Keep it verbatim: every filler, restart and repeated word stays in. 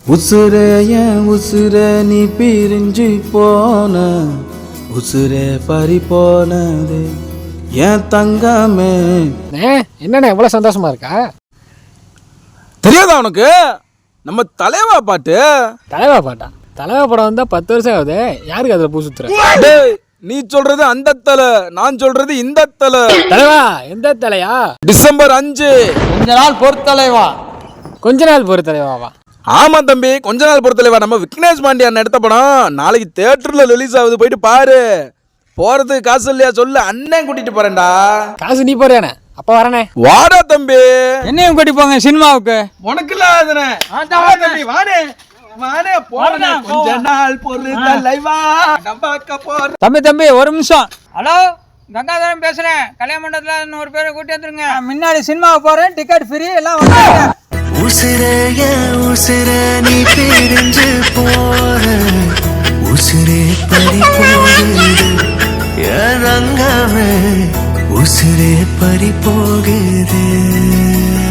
உசுரே ஏன் உசுரே நீ பிரிஞ்சு போன உசுரே பறி போனது ஏன் தங்கமே. என்னண்ணே இவ்வளோ சந்தோஷமா இருக்கா? தெரியாதா உனக்கு? நம்ம தலைவா பாட்டு. தலைவா பாட்டா? தலைவா படம் வந்தா பத்து வருஷம் ஆகுது. யாருக்கு அதில் பூ சுத்துற? நீ சொல்றது அந்த தலை, நான் சொல்றது இந்த தலை. தலைவா எந்த தலையா? டிசம்பர் அஞ்சு. கொஞ்ச நாள் பொறுத்தலைவா. கொஞ்ச நாள் பொறு தலைவாவா? ஆமா தம்பி, கொஞ்ச நாள் பொறுத்தலைவா. நம்ம விக்னேஷ் பாண்டியன் எடுத்த படம் நாளைக்கு தியேட்டர்ல ரிலீஸ் ஆகுது, போயிட்டு பாரு. போறதுக்கு காசு இல்லையா சொல்லு, அண்ணன் கூட்டிட்டு போறேன்டா. காசு நீ போறேனே, அப்ப வரனே. வாடா தம்பி. என்னையும் கூட்டி போங்க சினிமாவுக்கு. உனக்கு இல்லாதனே தம்பி. வாடே வாடே போறேன். கொஞ்ச நாள் பொறுத்தலைவா நம்ம போற. தம்பி தம்பி ஒரு நிமிஷம். ஹலோ, கங்காதரன் பேசுறேன். கல்யாண மண்டபத்துல ஒரு பேரை கூட்டி வந்துருங்க. முன்னாடி சினிமாவுக்கு போறேன், டிக்கெட் ஃப்ரீ, எல்லாம் வந்துருங்க. உசுரே உசுரே நீ பிரிஞ்சு போற உசுரே பறி போகுது என் ரங்கமே உசுரே பறி போகுது.